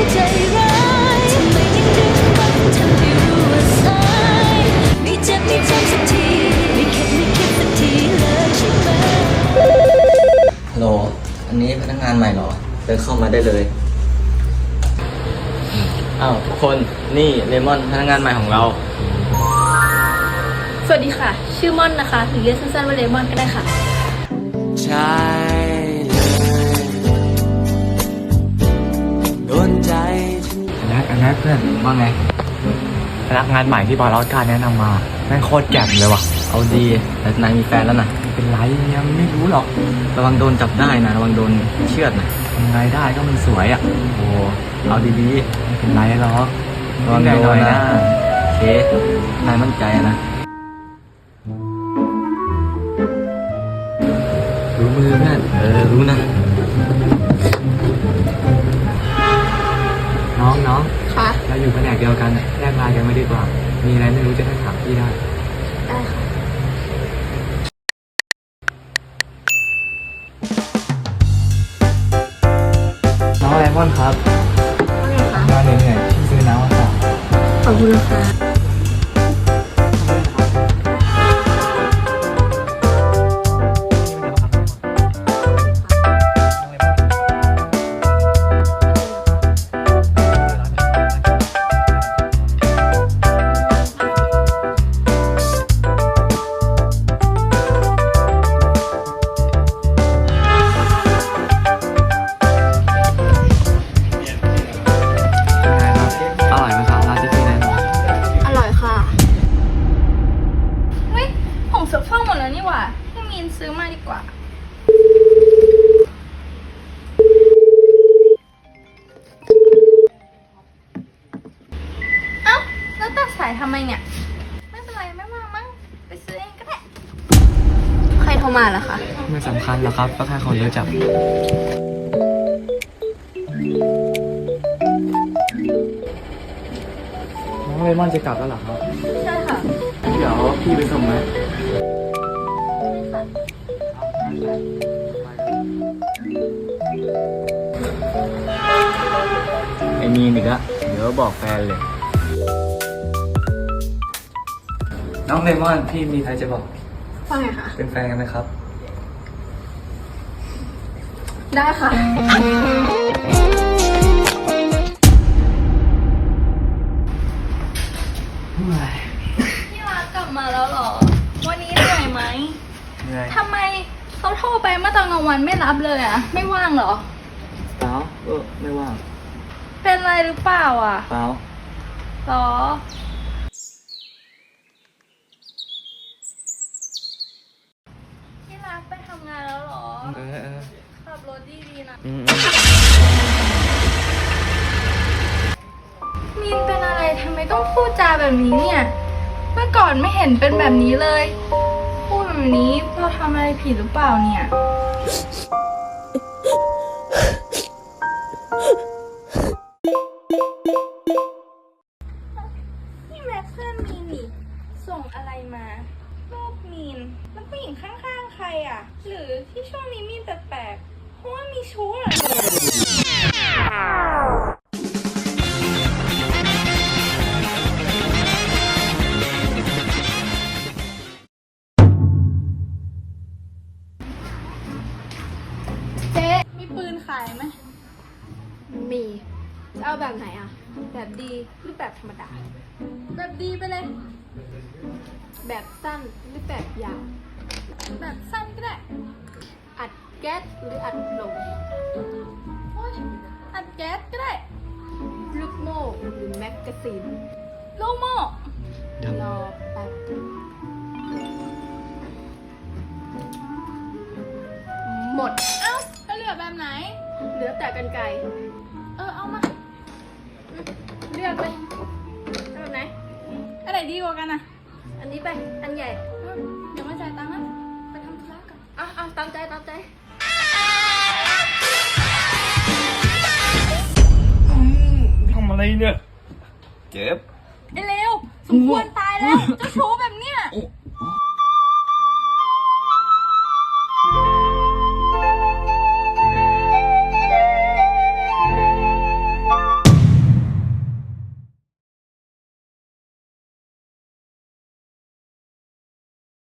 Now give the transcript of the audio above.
ใจร้ายทำไมยังดึงรักทำให้รู้ว่าสายไม่เจ็บไม่จำสักทีไม่เข็ดไม่คิดสักทีเลยใช่ไหมฮัลโหลอันนี้พนักงานใหม่เหรอเดินเข้ามาได้เลยอ้าวทุกคนนี่เลมอนพนักงานใหม่ของเราสวัสดีค่ะชื่อม่อนนะคะหรือเรียกสั้นๆว่าเลมอนก็ได้ค่ะใช่เลยโดนใจอันนั้นเพื่อนว่าไงพนักงานใหม่ที่บอลออสการแนะนำมาแม่งโคตรแจ่มเลยว่ะเอาดีแต่นายมีแฟนแล้วนะไม่เป็นไรยังไม่รู้หรอกระวังโดนจับได้นะระวังโดนเชือดนะยังไงได้ก็มันสวยอ่ะโอ้เอาดีๆไม่เป็นไรหรอกระวังโดนนะโอเคนายมั่นใจนะรู้มือเพื่อนรู้นะน้องค่ะเราอยู่แผนกเดียวกันแลกไลน์กันไม่ดีกว่ามีอะไรไม่รู้จะได้ถามพี่ได้ได้ค่ะน้องเลมอนครับงานเหนื่อยๆพี่ซื้อน้ำมาฝากขอบคุณค่ะเสื้อผ้าหมดแล้วนี่หว่าให้มีนซื้อมาดีกว่าเอ้าแล้วตัดสายทำไมเนี่ยไม่เป็นไรไม่มามั้งไปซื้อเองก็ได้ใครโทรมาล่ะคะไม่สำคัญหรอกครับก็แค่คนเยอะจับน้องเลมอนจะกลับแล้วเหรอครับใช่ค่ะเดี๋ยวพี่ไปส่งไหมไอ้มีนอีกละเดี๋ยวบอกแฟนเลยน้องเลมอนพี่มีใครจะบอกว่าไงคะเป็นแฟนกันไหมครับได้ค่ะพี่รักกลับมาแล้วเหรอวันนี้เหนื่อยไหมทำไมเขาโทรไปเมื่อตอนกลางวันไม่รับเลยอ่ะไม่ว่างเหรอเปล่าไม่ว่างเป็นไรหรือเปล่าอ่ะเปล่าหรอพี่รักไปทำงานแล้วหรอขับรถดีๆนะมีนเป็นอะไรทำไมต้องพูดจาแบบนี้เนี่ยเมื่อก่อนไม่เห็นเป็นแบบนี้เลยพูดแบบนี้เราทำอะไรผิดหรือเปล่าเนี่ยนี่แม็กเพื่อนมีนนี่ส่งอะไรมารูปมีนแล้วผู้หญิงข้างๆใครอ่ะหรือที่ช่วงนี้มีนแปลกๆเพราะว่ามีชู้เหรอปืนขายไหมมีจะเอาแบบไหนอ่ะแบบดีหรือแบบธรรมดาแบบดีไปเลยแบบสั้นหรือแบบยาวแบบสั้นก็ได้อัดแก๊สหรืออัดลมอัดแก๊สก็ได้ลูกโม่หรือแมกกาซีนลูกโม่รอแป๊บหมดเอ้าก็เหลือแบบไหนเหลือแต่กรรไกรเอามาเลือกเลยแบบไหนอันไหนดีกว่ากันอ่ะอันนี้ไปอันใหญ่เดี๋ยวมาจ่ายตังค์นะไปทำธุระก่อนตามใจทำอะไรเนี่ยเจ็บไอ้เลวสมควรตายแล้วเจ้าชู้แบบเนี้ย